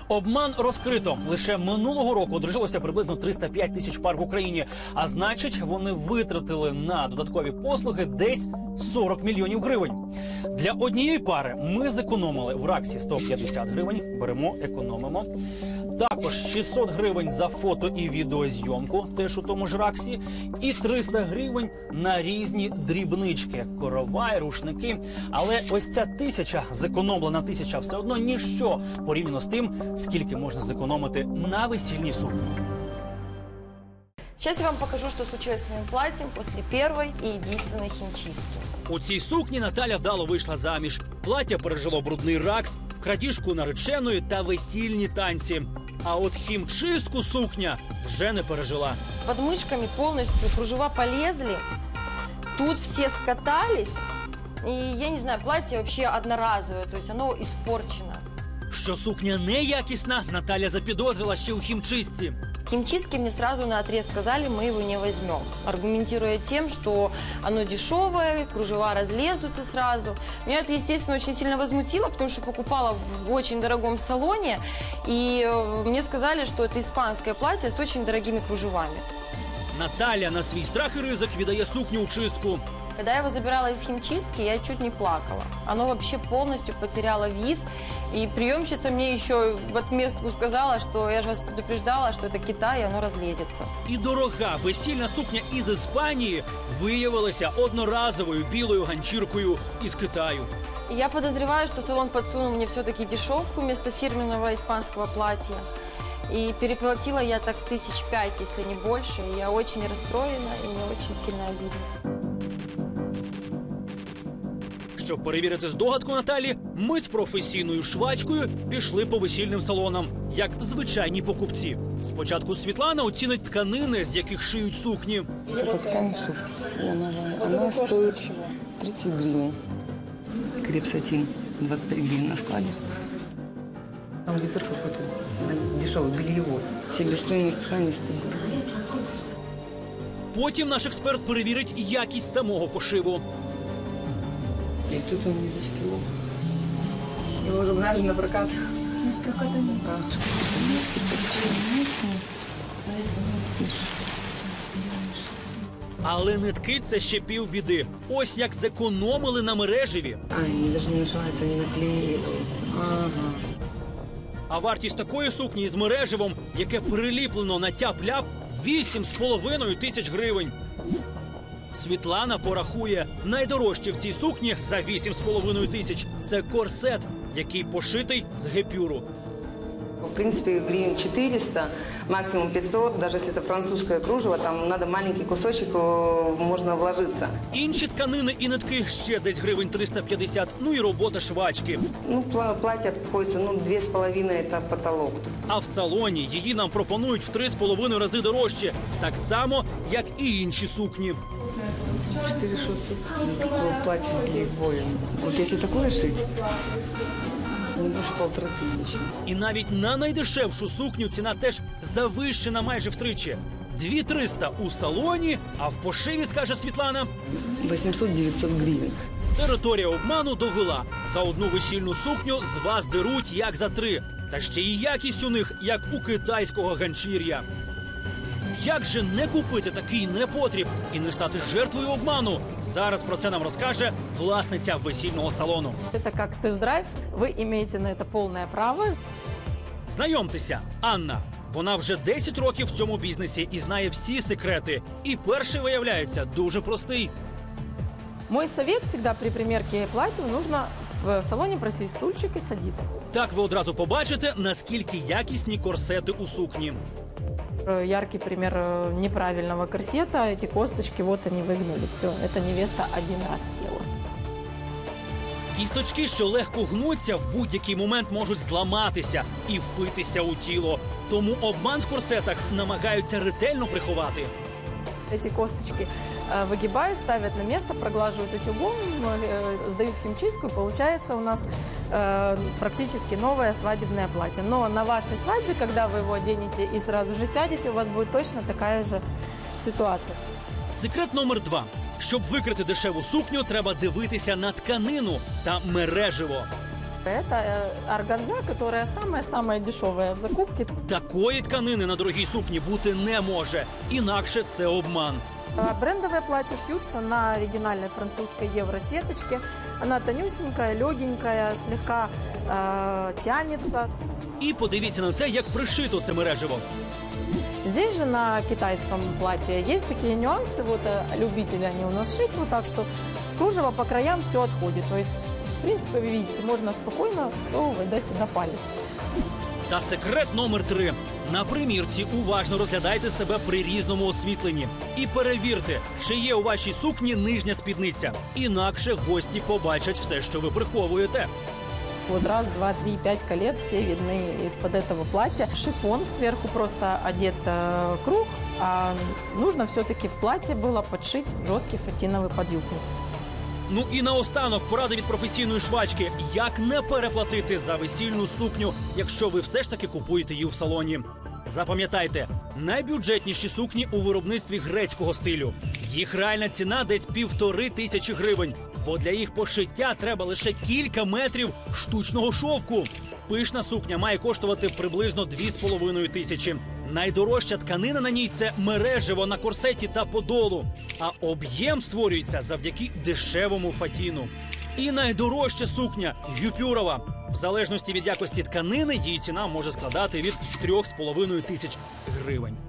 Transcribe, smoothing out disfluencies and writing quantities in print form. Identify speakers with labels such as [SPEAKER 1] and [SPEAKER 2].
[SPEAKER 1] Обман розкрито. Лише минулого року одружилося приблизно 305 тисяч пар в Україні. А значить, вони витратили на додаткові послуги десь 40 мільйонів гривень. Для однієї пари ми зекономили в Раксі 150 гривень. Беремо, економимо. Також 600 гривень за фото і відеозйомку, теж у тому ж Раксі. І 300 гривень на різні дрібнички, коровай, рушники. Але ось ця зекономлена тисяча все одно ніщо порівняно з тим, скільки можна зекономити на весільній сукні.
[SPEAKER 2] Сейчас я вам покажу, что случилось с моим платьем после первой и единственной химчистки.
[SPEAKER 1] У цій сукні Наталя вдало вийшла заміж. Плаття пережило брудний Ракс, крадіжку нареченої та весільні танці. А от хімчистку сукня вже не пережила.
[SPEAKER 2] Под мышками полностью кружева полезли, тут все скатались. И я не знаю, платье вообще одноразовое, то есть оно испорчено.
[SPEAKER 1] Що сукня неякісна, Наталя запідозрила ще у хімчистці.
[SPEAKER 2] Химчистки мне сразу наотрез сказали, мы его не возьмем, аргументируя тем, что оно дешевое, кружева разлезутся сразу. Меня это, естественно, очень сильно возмутило, потому что покупала в очень дорогом салоне, и мне сказали, что это испанское платье с очень дорогими кружевами.
[SPEAKER 1] Наталя на свій страх і ризик віддає сукню у чистку.
[SPEAKER 2] Когда я его забирала из химчистки, я чуть не плакала. Оно вообще полностью потеряло вид. И приемщица мне еще в отместку сказала, что я же вас предупреждала, что это Китай, и оно разлезется.
[SPEAKER 1] І дорога весільна сукня із Іспанії виявилася одноразовою білою ганчіркою із Китаю.
[SPEAKER 2] И я подозреваю, что салон подсунул мне все-таки дешевку вместо фирменного испанского платья. И переплатила я так 5 тысяч, если не больше. И я очень расстроена, и мне очень сильно обидно.
[SPEAKER 1] Щоб перевірити здогадку Наталі, ми з професійною швачкою пішли по весільним салонам, як звичайні покупці. Спочатку Світлана оцінить тканини, з яких шиють сукні.
[SPEAKER 3] Это ткань шифоновая. Она стоит 30 гривен. Крепсатин 25 гривен на складе. Там гипер какой-то дешевый, бельевой. Себестоимость ткани 100 гривен.
[SPEAKER 1] Потім наш експерт перевірить якість самого пошиву.
[SPEAKER 3] И тут он ниточки. Его уже брали на прокат.
[SPEAKER 4] С проката нет.
[SPEAKER 1] Але нитки – це ще півбіди. Ось як зекономили на мережеві.
[SPEAKER 3] Они даже не нашиваются, не наклеиваются. Ага.
[SPEAKER 1] А вартість такої сукні із мережевом, яке приліплено на тяп-ляп, 8,5 тисяч гривень. Світлана порахує, найдорожче в цій сукні за 8,5 тисяч – це корсет, який пошитий з гепюру.
[SPEAKER 3] В принципе, гривен 400, максимум 500. Даже если это французское кружево, там надо маленький кусочек, можно вложиться.
[SPEAKER 1] Інші тканини і нитки ще десь гривень 350, ну і робота швачки.
[SPEAKER 3] Ну, платье обходится, 2,5 – это потолок.
[SPEAKER 1] А в салоні її нам пропонують в 3,5 рази дорожче. Так само, як і інші сукні.
[SPEAKER 3] 4600 такое платье длевое. Вот если такое шить, не больше 1500.
[SPEAKER 1] І навіть на найдешевшу сукню ціна теж завищена майже втричі. 2300 у салоні, а в пошиві, скаже Світлана,
[SPEAKER 3] 800-900 гривен.
[SPEAKER 1] територія обману довела. За одну весільну сукню з вас деруть як за 3. Та ще і якість у них, як у китайського ганчір'я. Як же не купити такий непотріб і не стати жертвою обману? Зараз про це нам розкаже власниця весільного салону.
[SPEAKER 5] Это как тест-драйв, вы имеете на это полное право.
[SPEAKER 1] Знайомтеся, Анна. Вона вже 10 років в цьому бізнесі і знає всі секрети. І перший, виявляється, дуже простий.
[SPEAKER 5] Мой совет всегда при примерке платья нужно в салоне просить стульчик и садиться.
[SPEAKER 1] Так ви одразу побачите, наскільки якісні корсети у сукні.
[SPEAKER 5] Яркий пример неправильного корсета. Эти косточки, вот они выгнулись. Все, эта невеста один раз села.
[SPEAKER 1] Кісточки, що легко гнуться, в будь-який момент можуть зламатися і впитися у тіло. Тому обман в корсетах намагаються ретельно приховати.
[SPEAKER 5] Эти косточки выгибают, ставят на место, проглаживают утюгом, сдают в химчистку, и получается у нас практически новое свадебное платье. Но на вашей свадьбе, когда вы его оденете и сразу же сядете, у вас будет точно такая же ситуация.
[SPEAKER 1] Секрет номер 2. Щоб викрити дешеву сукню, треба дивитися на тканину та мережево.
[SPEAKER 5] Это органза, которая самая-самая дешевая в закупке.
[SPEAKER 1] Такої тканини на дорогій сукні бути не може. Інакше це обман.
[SPEAKER 5] Брендовое платье шьются на оригинальной французской евросеточке. Она тонюсенькая, легенькая, слегка тянется.
[SPEAKER 1] І подивіться на те, як пришито це мережево.
[SPEAKER 5] Здесь же на китайском платье есть такие нюансы. Вот любители они у нас шить вот так, что кружево по краям все отходит. То есть, в принципе, вы видите, можно спокойно всовывать сюда палец.
[SPEAKER 1] Та секрет номер 3. На примірці уважно розглядайте себе при різному освітленні. І перевірте, чи є у вашій сукні нижня спідниця. Інакше гості побачать все, що ви приховуєте.
[SPEAKER 5] Вот раз, два, три, 5 колец, все видны из-под этого платья. Шифон сверху просто одет круг, а нужно все-таки в платье было подшить жесткий фатиновый подъюбник.
[SPEAKER 1] Ну і наостанок порада від професійної швачки. Як не переплатити за весільну сукню, якщо ви все ж таки купуєте її в салоні. Запам'ятайте, найбюджетніші сукні у виробництві грецького стилю. Їх реальна ціна десь 1500 гривень. Бо для їх пошиття треба лише кілька метрів штучного шовку. Пишна сукня має коштувати приблизно 2500. Найдорожча тканина на ній – це мережево на корсеті та подолу. А об'єм створюється завдяки дешевому фатіну. І найдорожча сукня – гюпюрова. В залежності від якості тканини її ціна може складати від 3500 гривень.